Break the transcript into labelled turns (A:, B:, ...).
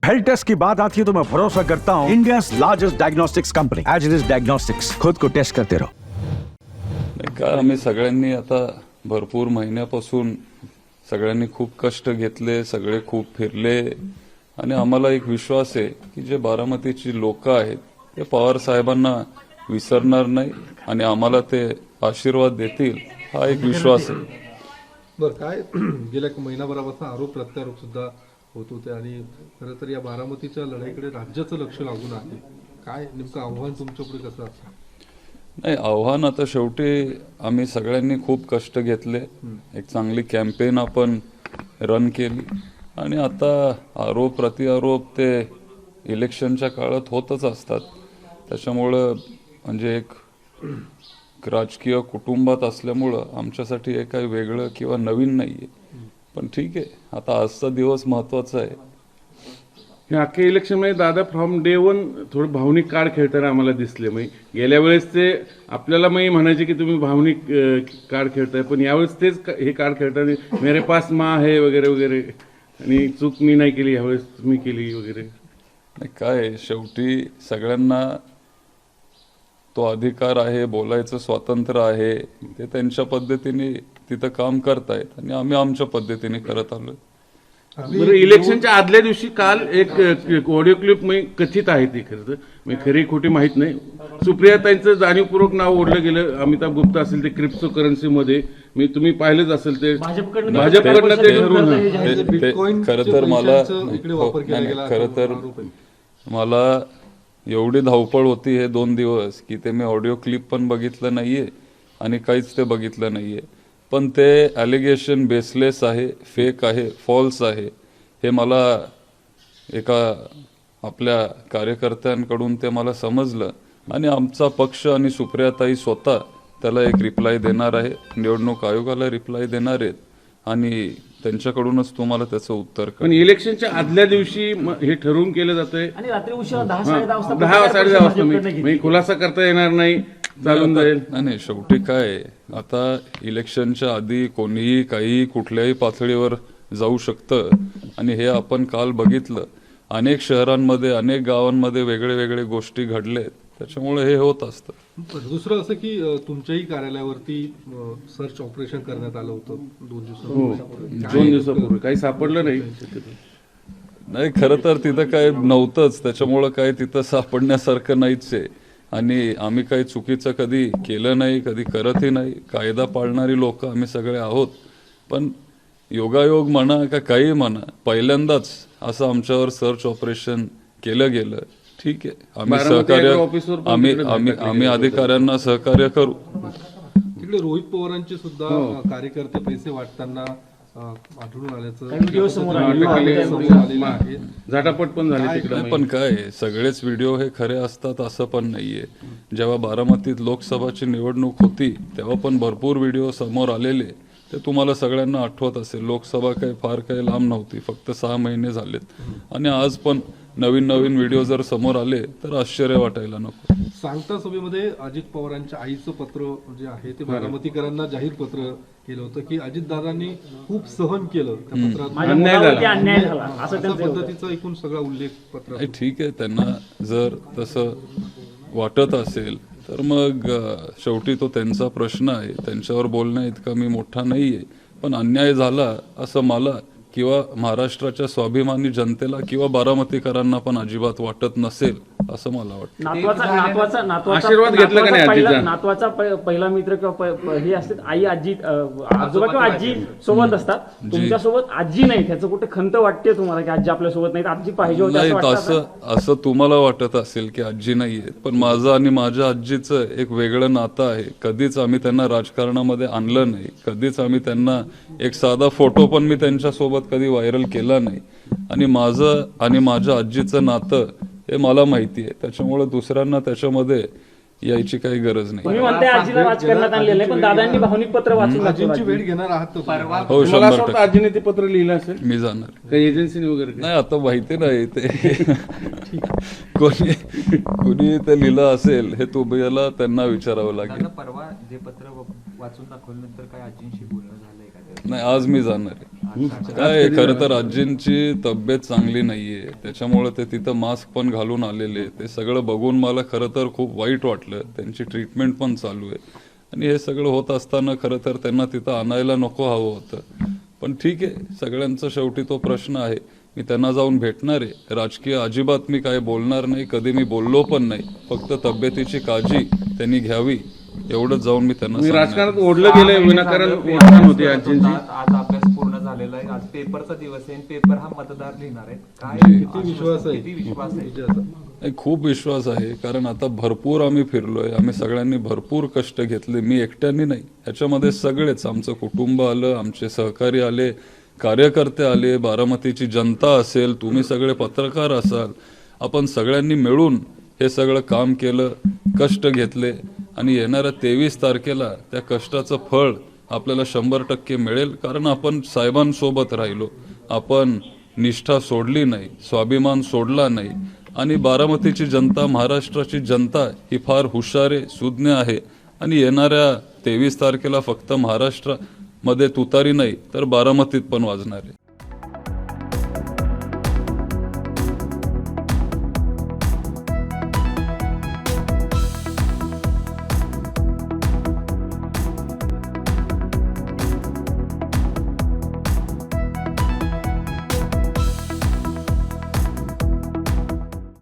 A: Health taste की बात आती है तो मैं भरोसा करता हूँ India largest diagnostics company as diagnostics, खुद को टेस्ट करते रहो.
B: नाही का, आम्ही सगळ्यांनी आता भरपूर महिन्यापासून सगळ्यांनी खूप कष्ट घेतले, सगळे खूप फिरले आणि आम्हाला एक विश्वास आहे की जे बारामतीची लोक आहेत ते पवार साहेबांना विसरणार नाही आणि आम्हाला ते आशीर्वाद देतील, हा एक विश्वास आहे.
C: बरं, काय गेल्या महिनाभरापासून आरोप प्रत्यारोप सुद्धा होत होते आणि खरं तर या बारामतीच्या लढाईकडे राज्याचं लक्ष लागून आहे. काय नेमकं आव्हान तुमच्यापुढे कसं असतं?
B: नाही, आव्हान आता शेवटी आम्ही सगळ्यांनी खूप कष्ट घेतले, एक चांगली कॅम्पेन आपण रन केली आणि आता आरोप प्रत्यारोप ते इलेक्शनच्या काळात होतच असतात. त्याच्यामुळं म्हणजे एक राजकीय कुटुंबात असल्यामुळं आमच्यासाठी हे काही वेगळं किंवा नवीन नाहीये. पण ठीक आहे, आता आजचा दिवस महत्वाचा आहे.
D: हे अख्ख्या इलेक्शन मध्ये दादा फ्रॉम डे वन थोडं भावनिक कार्ड खेळताना आम्हाला दिसले. गेल्या वेळेस ते आपल्याला म्हणायचे की तुम्ही भावनिक कार्ड खेळताय, पण यावेळेस तेच हे कार्ड खेळताना मेरे पास माँ है वगैरे वगैरे आणि चूक मी नाही केली यावेळेस तुम्ही केली वगैरे.
B: नाही, काय शेवटी सगळ्यांना तो अधिकार आहे, बोलायचं स्वातंत्र्य आहे, ते त्यांच्या पद्धतीने तिथं काम करतायत आणि आम्ही आमच्या पद्धतीने करत आलोय.
D: बरं, इलेक्शनच्या आदल्या दिवशी काल एक ऑडिओ क्लिप कथित आहे ती, खरं तर खरी खोटी माहित नाही, सुप्रियाताईंचं जाणीवपूर्वक नाव ओढलं गेलं. अमिताभ गुप्ता असेल ते क्रिप्टो करन्सीमध्ये, तुम्ही पाहिलंच असेल ते भाजपकडनं ते ठरवून.
B: खरं तर मला खरं तर मला एवढी धावपळ होती हे 2 दिवस की ते मी ऑडिओ क्लिप पण बघितलं नाहीये आणि काहीच ते बघितलं नाहीये. पण ते ॲलिगेशन बेसलेस आहे, फेक आहे, फॉल्स आहे हे मला एका आपल्या कार्यकर्त्यांकडून ते मला समजलं आणि आमचा पक्ष आणि सुप्रियाताई स्वतः त्याला एक रिप्लाय देणार आहे, निवडणूक आयोगाला रिप्लाय देणार आहेत आणि त्यांच्याकडूनच तुम्हाला त्याचं उत्तर कळेल.
D: पण इलेक्शनच्या आदल्या दिवशी हे ठरवून केलं जातंय
E: आणि रात्री उशिरा 10-10:30
D: वाजता खुलासा करता येणार नाही, चालून जाईल.
B: नाही, शेवटी काय आता इलेक्शनच्या आधी कोणीही काही कुठल्याही पातळीवर जाऊ शकतं आणि हे आपण काल बघितलं. अनेक शहरांमध्ये, अनेक गावांमध्ये वेगळे वेगळे गोष्टी घडलेत, त्याच्यामुळे हे होत असतं.
C: दुसरं असं की तुमच्याही कार्यालयावरती सर्च ऑपरेशन करण्यात आलं होतं 2
D: दिवसापूर्वी, काही सापडलं नाही.
B: नाही, खरं तर तिथं काय नव्हतंच, त्याच्यामुळं काय तिथं सापडण्यासारखं नाहीच आहे आणि आम्ही काही चुकीचं कधी केलं नाही, कधी करतही नाही. कायदा पाळणारी लोक आम्ही सगळे आहोत. पण योगायोग म्हणा का काही म्हणा, पहिल्यांदाच असं आमच्यावर सर्च ऑपरेशन केलं गेलं. ठीक आहे, आम्ही सहकार्य आम्ही अधिकाऱ्यांना सहकार्य करू.
C: तिकडे रोहित पवारांचे सुद्धा कार्यकर्ते पैसे वाटताना आढळून आल्याचं
D: झटापट पण झाली तिकडे.
B: पण काय सगळेच व्हिडिओ हे खरे असतात असं पण नाहीये. जेव्हा बारामतीत लोकसभाची निवडणूक होती तेव्हा पण भरपूर व्हिडिओ समोर आलेले, ते तुम्हाला सगळ्यांना आठवत असेल. लोकसभा काही फार काही लांब नव्हती, फक्त 6 महिने झालेत आणि आज पण नवीन नवीन व्हिडिओ जर समोर आले तर आश्चर्य वाटायला नको.
C: सांगता सभेमध्ये अजित पवारांच्या आईचं पत्र जे आहे ते बारामतीकरांना जाहीर पत्र केलं होतं की अजितदादांनी खूप सहन केलं, त्या पत्रात
E: अन्याय झाला असं
C: अशा पद्धतीचा एकूण सगळा उल्लेख पत्र.
B: ठीक आहे, त्यांना जर तसं वाटत असेल तर मग शेवटी तो त्यांचा प्रश्न आहे, त्यांच्यावर बोलण्या इतका मी मोठा नाहीये. पण अन्याय झाला असं मला किंवा महाराष्ट्राच्या स्वाभिमानी जनतेला किंवा बारामतीकरांना पण अजिबात वाटत नसेल असं मला वाटतं.
D: आशीर्वाद घेतला का नाही आजीचा?
E: नातवाचा पहिला मित्र किंवा हे असतात, आई आजी आजोबा किंवा आजी सोबत असतात, तुमच्या सोबत आजी नाही, त्याचं कुठे खंत वाटते तुम्हाला की आजी आपल्या सोबत नाही, आजी पाहिजे होती
B: असं तुम्हाला वाटत असेल की आजी नाहीये, पण माझं आणि माझ्या आजीचं एक वेगळं नातं आहे. कधीच आम्ही त्यांना राजकारणामध्ये आणलं नाही, कधीच आम्ही त्यांना एक साधा फोटो पण मी त्यांच्या सोबत कधी व्हायरल केला नाही आणि माझं आणि माझ्या आजीचं नातं हे मला माहिती आहे. त्याच्यामुळे दुसऱ्यांना त्याच्यामध्ये यायची काही गरज नाही.
E: आजीला राजकारणात आणलेलं आहे, पण दादांनी भावनिक पत्र वाचून
C: आजींची वेळ घेणार आहात
B: हो, 100%.
D: आजीने ते पत्र लिहिलं असेल,
B: मी जाणार.
D: काही एजन्सीने वगैरे
B: नाही, आता माहिती नाही ते कोणी ते लिहिलं असेल हे तुम्हाला त्यांना विचारावं लागेल.
F: परवा जे पत्र वाचून दाखवल्यानंतर काय आजींशी बोलणं झालंय का?
B: नाही, आज मी जाणार आहे. काय खरं तर आजींची तब्येत चांगली नाहीये, त्याच्यामुळे ते तिथं मास्क पण घालून आलेले. ते सगळं बघून मला खरं तर खूप वाईट वाटलं. त्यांची ट्रीटमेंट पण चालू आहे आणि हे सगळं होत असताना खरं तर त्यांना तिथं आणायला नको हवं होतं. पण ठीक आहे, सगळ्यांचा शेवटी तो प्रश्न आहे. मी त्यांना जाऊन भेटणार आहे. राजकीय अजिबात मी काय बोलणार नाही, कधी मी बोललो पण नाही. फक्त तब्येतीची काळजी त्यांनी घ्यावी एवढंच जाऊन मी त्यांना
D: मी
B: सांगणार.
D: राजकारणात ओढलं गेलंय विनाकारण ओढण होती आजींची.
F: आज अभ्यास पूर्ण झालेला आहे. आज पेपरचा दिवस आहे. पेपर हा मतदार लिहिणार आहे. काय
C: किती विश्वास आहे?
F: किती विश्वास आहे?
C: म्हणजे असं
B: नाही, खूप विश्वास आहे. कारण आता भरपूर आम्ही फिरलोय, आम्ही सगळ्यांनी भरपूर कष्ट घेतले. मी एकट्याने नाही, ह्याच्यामध्ये सगळेच, आमचं कुटुंब आलं, आमचे सहकारी आले, कार्यकर्ते आले, बारामतीची जनता असेल, तुम्ही सगळे पत्रकार असाल, आपण सगळ्यांनी मिळून हे सगळं काम केलं, कष्ट घेतले आणि येणाऱ्या 23 तारखेला त्या कष्टाचं फळ आपल्याला 100% मिळेल. कारण आपण साहेबांसोबत राहिलो, आपण निष्ठा सोडली नाही, स्वाभिमान सोडला नाही. आणि बारामतीची जनता, महाराष्ट्राची जनता ही फार हुशार आहे, सुज्ञ आहे आणि येणाऱ्या 23 तारखेला फक्त महाराष्ट्रामध्ये तुतारी नाही तर बारामतीत पण वाजणार आहे.